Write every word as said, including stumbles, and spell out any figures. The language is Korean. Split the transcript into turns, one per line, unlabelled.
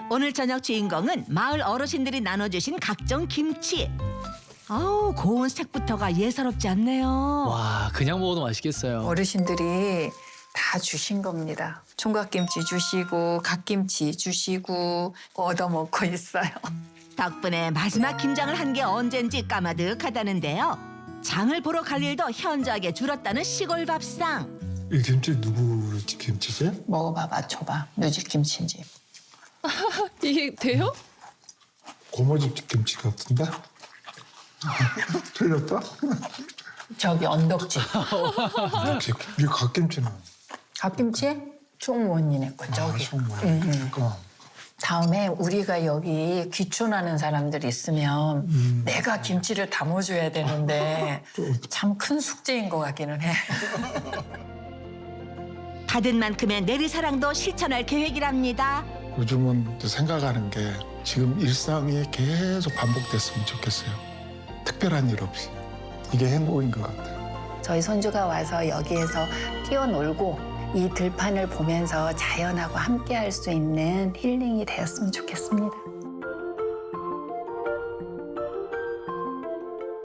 오늘 저녁 주인공은 마을 어르신들이 나눠주신 각종 김치. 아우, 고운 색부터가 예사롭지 않네요.
와, 그냥 먹어도 맛있겠어요.
어르신들이 다 주신 겁니다. 총각김치 주시고 갓김치 주시고 얻어먹고 있어요.
덕분에 마지막 김장을 한 게 언젠지 까마득하다는데요. 장을 보러 갈 일도 현저하게 줄었다는 시골 밥상.
이 김치 누구 김치지?
먹어봐, 맞춰봐. 누집 김치인지.
이게 돼요?
고모집 김치 같은데? 틀렸다?
저기 언덕집.
이렇게 이 갓김치는
갓김치? 총무원님네 거 저기.
정말.
응, 응.
그러니까
다음에 우리가 여기 귀촌하는 사람들 있으면
음.
내가 김치를 담아줘야 되는데 참 큰 숙제인 것 같기는 해.
받은 만큼의 내리사랑도 실천할 계획이랍니다.
요즘은 또 생각하는 게 지금 일상이 계속 반복됐으면 좋겠어요. 특별한 일 없이. 이게 행복인 것 같아요.
저희 손주가 와서 여기에서 뛰어놀고 이 들판을 보면서 자연하고 함께 할 수 있는 힐링이 되었으면 좋겠습니다.